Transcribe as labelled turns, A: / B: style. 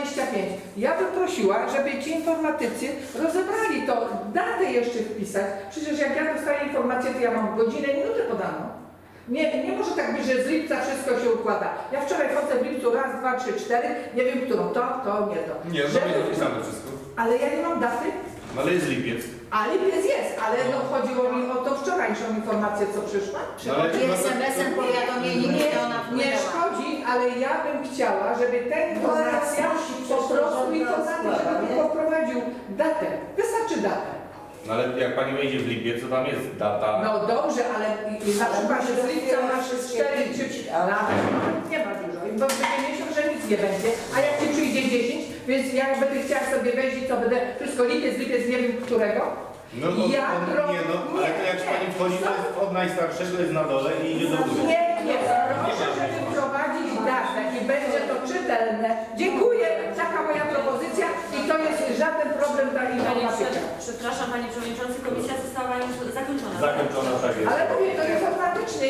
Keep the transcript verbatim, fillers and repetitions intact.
A: dwadzieścia pięć. Ja bym prosiła, żeby ci informatycy rozebrali to, datę jeszcze wpisać. Przecież jak ja dostaję informację, to ja mam godzinę, minutę podaną. Nie, nie może tak być, że z lipca wszystko się układa. Ja wczoraj chodzę w lipcu raz, dwa, trzy, cztery, nie wiem którą, to, to, nie to.
B: Nie, no
A: Żeby-
B: jest napisane wszystko.
A: Ale ja nie mam daty,
B: No ale jest lipiec.
A: a lipiec jest, ale no chodziło mi o to wczorajszą informację, co przyszła.
B: No, ale-
C: Przychodzi es em esem powiadomienie,
A: Nie,
C: kiedy ona
A: nie
C: wpłynęła.
A: szkodzi, ale ja bym chciała, żeby ta informacja po prostu informatyk, żeby poprowadził datę. Wystarczy datę.
B: No ale jak pani wejdzie w lipiec, to tam jest data.
A: No dobrze, ale i- i na przykład że z lipca masz cztery czy lata, nie ma dużo, bo będzie miesiąc, że nic nie będzie, a jak ci przyjdzie dziesięć, więc ja będę chciała sobie wejść i to będę wszystko lipiec, lipiec, nie wiem którego.
B: No od,
A: Ja
B: od,
A: pro-
B: nie no, ale to jak
A: nie,
B: pani wchodzi, to jest od najstarszego jest na dole i idzie do góry.
A: Nie, nie, proszę, żeby wprowadzić datę i będzie to czytelne. Dziękuję, taka moja propozycja i to jest żaden problem dla
D: Panie,
A: informatyka.
D: przepraszam Panie Przewodniczący, komisja została już zakończona.
B: Zakończona tak jest.
A: Ale mówię,